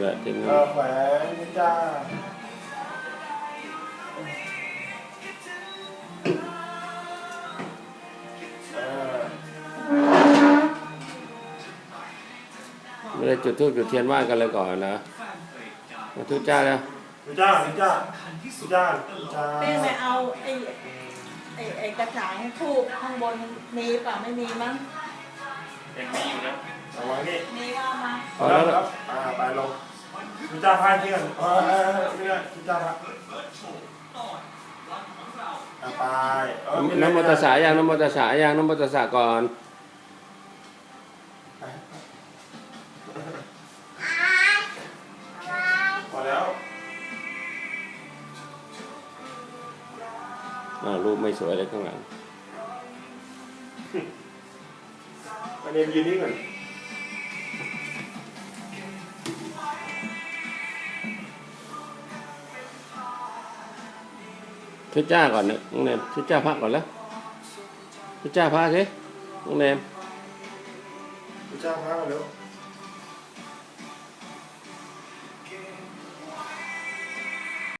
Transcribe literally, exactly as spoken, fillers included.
ละถึงเออแขวนนี่จ้าเออไม่ได้จุดธูปจุดเทียนไหว้กันเลยก่อนนะมาทุจ้าแล้วนี่จ้านี่จ้านี่จ้านี่จ้าเป้ไปเอาไอ้ไอ้ไอ้กระถางทูบข้างบนมีเปล่าไม่มีมั้งยังมีอยู่นะเอาไว้นี่มีว่ามาพอแล้วครับอ่าไปลงนี่จ้าพายที่กันเออเออนี่นะนี่จ้าพายอ่าไปเออน้ำมัตสายังน้ำมัตสายังน้ำมัตสาก่อนพอแล้วอ่ารูปไม่สวยเลยข้างหลังอันนี้ยืนนี่ก่อนทุจ้าก่อนนะน้องเนมทุจ้าพระก่อนแล้วทุจ้าพระสิน้องเนมนี่จ้าพายมาเร็ว